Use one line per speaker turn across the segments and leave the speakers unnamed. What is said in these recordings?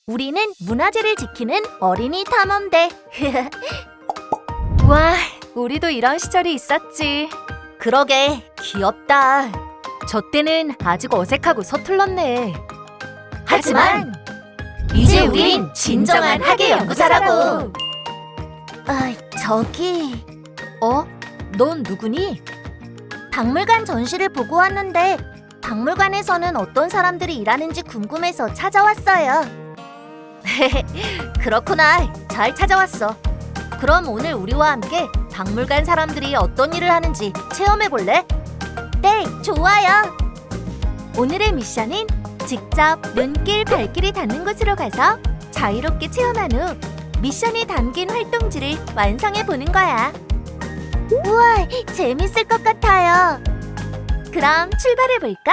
우리는 문화재를 지키는 어린이 탐험대. 와, 우리도 이런 시절이 있었지. 그러게, 귀엽다. 저 때는 아직 어색하고 서툴렀네. 하지만 이제 우린 진정한 학예 연구사라고. 저기... 넌 누구니? 박물관 전시를 보고 왔는데 박물관에서는 어떤 사람들이 일하는지 궁금해서 찾아왔어요. 그렇구나. 잘 찾아왔어. 그럼 오늘 우리와 함께 박물관 사람들이 어떤 일을 하는지 체험해볼래? 네, 좋아요. 오늘의 미션은 직접 눈길, 발길이 닿는 곳으로 가서 자유롭게 체험한 후 미션이 담긴 활동지를 완성해보는 거야. 우와, 재밌을 것 같아요. 그럼 출발해볼까?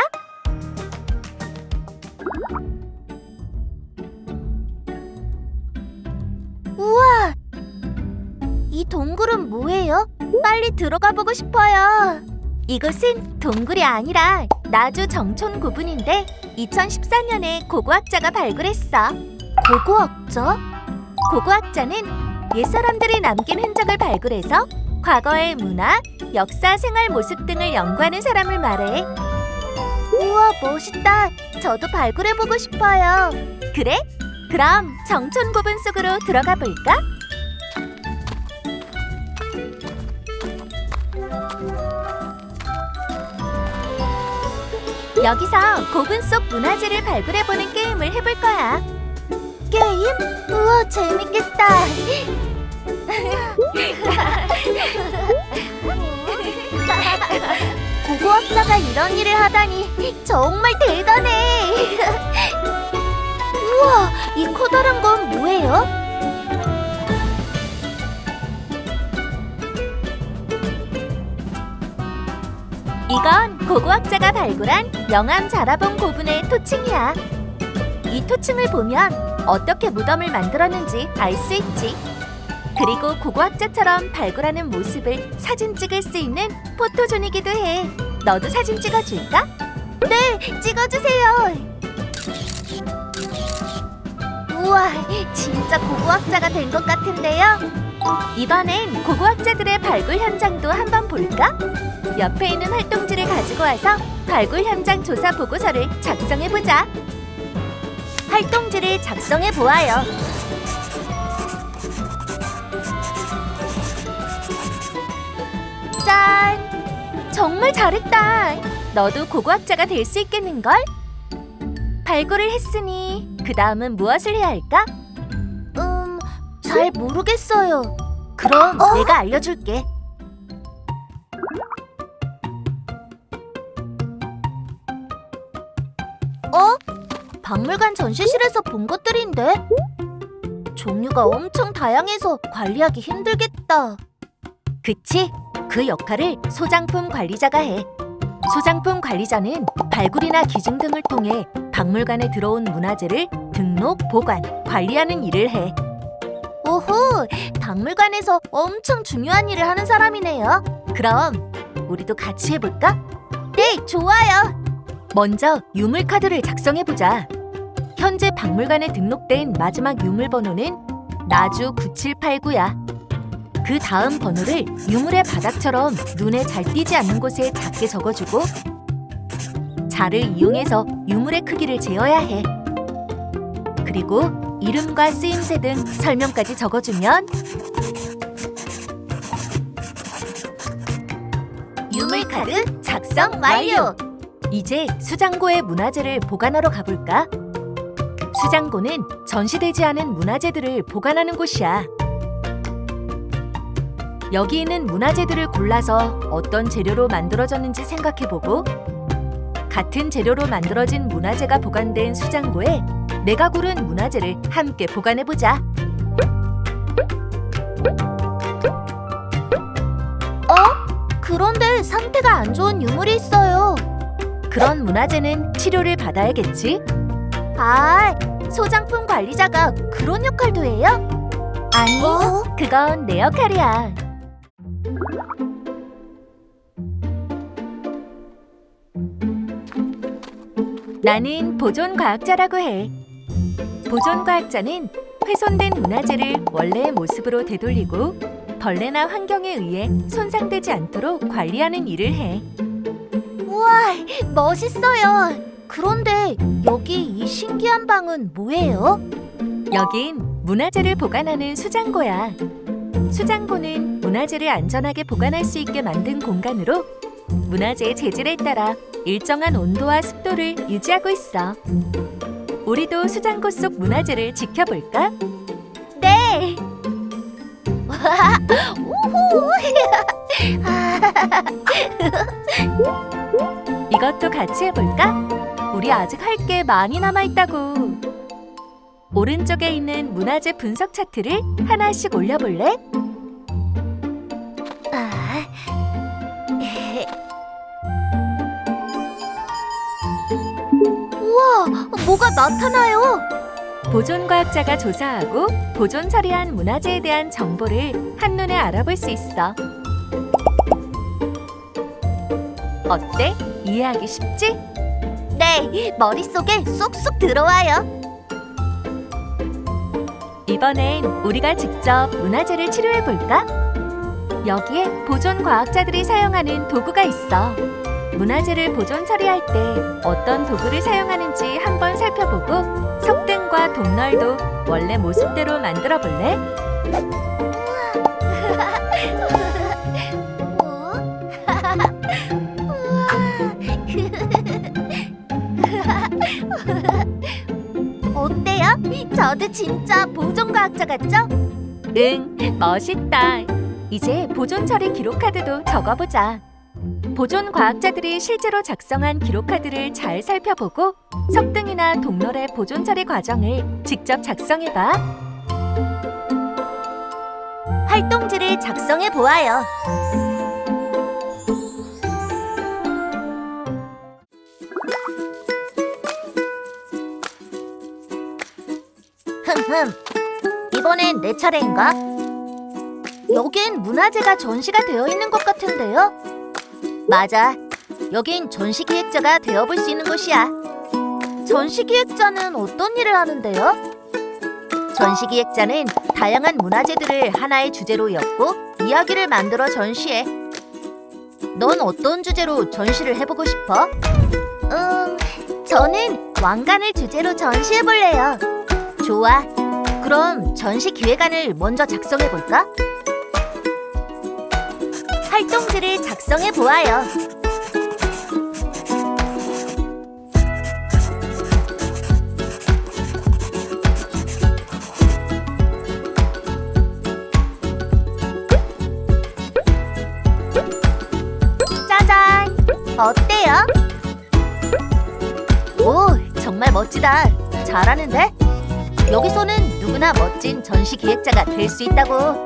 우와! 이 동굴은 뭐예요? 빨리 들어가 보고 싶어요. 이곳은 동굴이 아니라 나주 정촌 고분인데 2014년에 고고학자가 발굴했어. 고고학자? 고고학자는 옛사람들이 남긴 흔적을 발굴해서 과거의 문화, 역사, 생활 모습 등을 연구하는 사람을 말해. 우와, 멋있다. 저도 발굴해보고 싶어요. 그래? 그럼 정촌 고분 속으로 들어가 볼까? 여기서 고분 속 문화재를 발굴해보는 게임을 해볼 거야. 게임? 우와, 재밌겠다. 고고학자가 이런 일을 하다니 정말 대단해. 우와, 이 커다란 건 뭐예요? 이건 고고학자가 발굴한 영암 자라봉 고분의 토층이야. 이 토층을 보면 어떻게 무덤을 만들었는지 알 수 있지. 그리고 고고학자처럼 발굴하는 모습을 사진 찍을 수 있는 포토존이기도 해. 너도 사진 찍어줄까? 네, 찍어주세요. 우와, 진짜 고고학자가 된 것 같은데요? 이번엔 고고학자들의 발굴 현장도 한번 볼까? 옆에 있는 활동지를 가지고 와서 발굴 현장 조사 보고서를 작성해보자. 활동지를 작성해보아요. 짠! 정말 잘했다. 너도 고고학자가 될 수 있겠는걸? 발굴을 했으니 그 다음은 무엇을 해야 할까? 잘 모르겠어요. 그럼 내가 알려줄게. 박물관 전시실에서 본 것들인데? 종류가 엄청 다양해서 관리하기 힘들겠다. 그치? 그 역할을 소장품 관리자가 해. 소장품 관리자는 발굴이나 기증 등을 통해 박물관에 들어온 문화재를 등록, 보관, 관리하는 일을 해. 오호! 박물관에서 엄청 중요한 일을 하는 사람이네요. 그럼 우리도 같이 해볼까? 네, 좋아요. 먼저 유물카드를 작성해보자. 현재 박물관에 등록된 마지막 유물 번호는 나주 9789야. 그 다음 번호를 유물의 바닥처럼 눈에 잘 띄지 않는 곳에 작게 적어주고 자를 이용해서 유물의 크기를 재어야 해. 그리고 이름과 쓰임새 등 설명까지 적어주면 유물카드 작성 완료! 이제 수장고에 문화재를 보관하러 가볼까? 수장고는 전시되지 않은 문화재들을 보관하는 곳이야. 여기 있는 문화재들을 골라서 어떤 재료로 만들어졌는지 생각해보고 같은 재료로 만들어진 문화재가 보관된 수장고에 내가 고른 문화재를 함께 보관해보자. 그런데 상태가 안 좋은 유물이 있어요. 그런 문화재는 치료를 받아야겠지? 소장품 관리자가 그런 역할도 해요? 아니, 그건 내 역할이야. 나는 보존과학자라고 해. 보존과학자는 훼손된 문화재를 원래의 모습으로 되돌리고 벌레나 환경에 의해 손상되지 않도록 관리하는 일을 해. 우와, 멋있어요. 그런데 여기 이 신기한 방은 뭐예요? 여긴 문화재를 보관하는 수장고야. 수장고는 문화재를 안전하게 보관할 수 있게 만든 공간으로 문화재의 재질에 따라 일정한 온도와 습도를 유지하고 있어. 우리도 수장고 속 문화재를 지켜볼까? 네! 이것도 같이 해볼까? 우리 아직 할 게 많이 남아있다고. 오른쪽에 있는 문화재 분석 차트를 하나씩 올려볼래? 우와, 뭐가 나타나요? 보존과학자가 조사하고 보존 처리한 문화재에 대한 정보를 한눈에 알아볼 수 있어. 어때? 이해하기 쉽지? 네, 머릿속에 쏙쏙 들어와요. 이번엔 우리가 직접 문화재를 치료해볼까? 여기에 보존과학자들이 사용하는 도구가 있어. 문화재를 보존 처리할 때 어떤 도구를 사용하는지 한번 살펴보고 석등과 동널도 원래 모습대로 만들어 볼래? 어때요? 저도 진짜 보존과학자 같죠? 응, 멋있다. 이제 보존 처리 기록카드도 적어보자. 보존과학자들이 실제로 작성한 기록카드를 잘 살펴보고 석등이나 동널의 보존 처리 과정을 직접 작성해봐. 활동지를 작성해 보아요. 이번엔 내 차례인가? 여긴 문화재가 전시가 되어 있는 것 같은데요? 맞아. 여긴 전시기획자가 되어볼 수 있는 곳이야. 전시기획자는 어떤 일을 하는데요? 전시기획자는 다양한 문화재들을 하나의 주제로 엮고 이야기를 만들어 전시해. 넌 어떤 주제로 전시를 해보고 싶어? 저는 왕관을 주제로 전시해볼래요. 좋아. 그럼 전시기획안을 먼저 작성해볼까? 활동지를 작성해 보아요. 짜잔! 어때요? 오, 정말 멋지다. 잘하는데? 여기서는 누구나 멋진 전시 기획자가 될 수 있다고.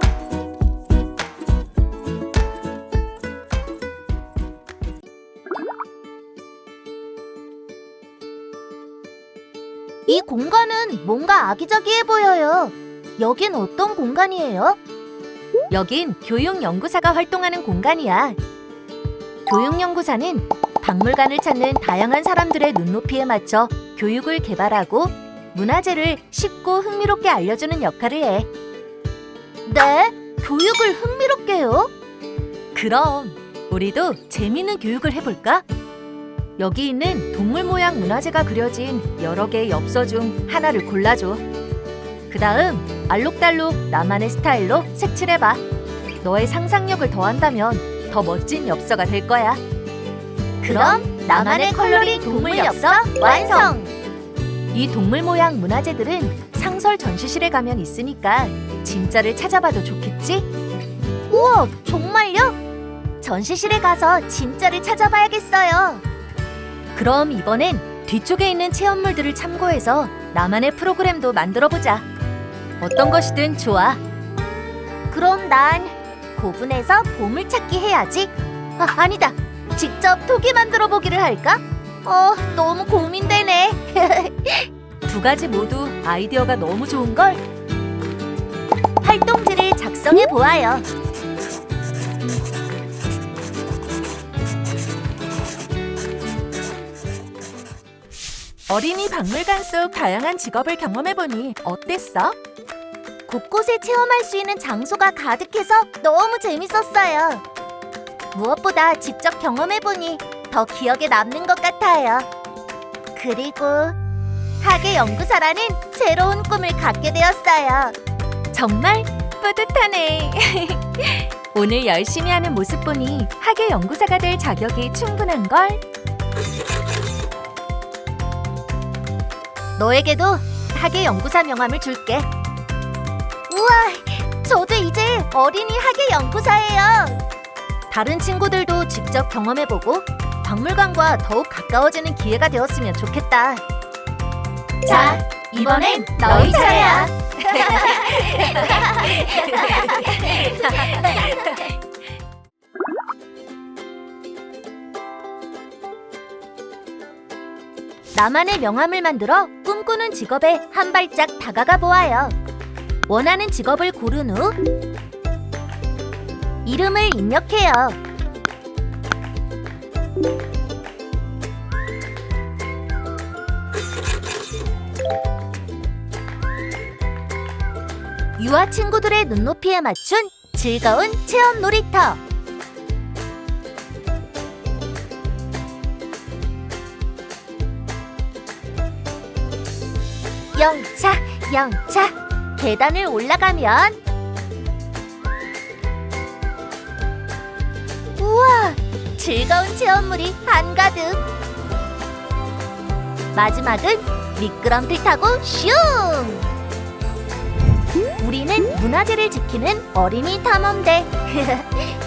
이 공간은 뭔가 아기자기해 보여요. 여긴 어떤 공간이에요? 여긴 교육연구사가 활동하는 공간이야. 교육연구사는 박물관을 찾는 다양한 사람들의 눈높이에 맞춰 교육을 개발하고 문화재를 쉽고 흥미롭게 알려주는 역할을 해. 네? 교육을 흥미롭게요? 그럼 우리도 재미있는 교육을 해볼까? 여기 있는 동물 모양 문화재가 그려진 여러 개의 엽서 중 하나를 골라줘. 그 다음 알록달록 나만의 스타일로 색칠해봐. 너의 상상력을 더한다면 더 멋진 엽서가 될 거야. 그럼 나만의 컬러링 동물 엽서 완성! 이 동물 모양 문화재들은 상설 전시실에 가면 있으니까 진짜를 찾아봐도 좋겠지? 우와, 정말요? 전시실에 가서 진짜를 찾아봐야겠어요. 그럼 이번엔 뒤쪽에 있는 체험물들을 참고해서 나만의 프로그램도 만들어보자. 어떤 것이든 좋아. 그럼 난 고분해서 보물찾기 해야지. 아니다. 직접 토기 만들어 보기를 할까? 너무 고민되네. 두 가지 모두 아이디어가 너무 좋은걸? 활동지를 작성해 보아요. 어린이 박물관 속 다양한 직업을 경험해보니 어땠어? 곳곳에 체험할 수 있는 장소가 가득해서 너무 재밌었어요. 무엇보다 직접 경험해보니 더 기억에 남는 것 같아요. 그리고 학예 연구사라는 새로운 꿈을 갖게 되었어요. 정말 뿌듯하네. 오늘 열심히 하는 모습 보니 학예 연구사가 될 자격이 충분한걸. 너에게도 학예 연구사 명함을 줄게. 우와, 저도 이제 어린이 학예 연구사예요. 다른 친구들도 직접 경험해보고 박물관과 더욱 가까워지는 기회가 되었으면 좋겠다. 자, 이번엔 너희 차례야. 나만의 명함을 만들어 꿈꾸는 직업에 한 발짝 다가가 보아요. 원하는 직업을 고른 후 이름을 입력해요. 유아 친구들의 눈높이에 맞춘 즐거운 체험 놀이터. 영차, 영차. 계단을 올라가면 우와! 즐거운 체험물이 한가득. 마지막은 미끄럼틀 타고 슝! 우리는 문화재를 지키는 어린이 탐험대.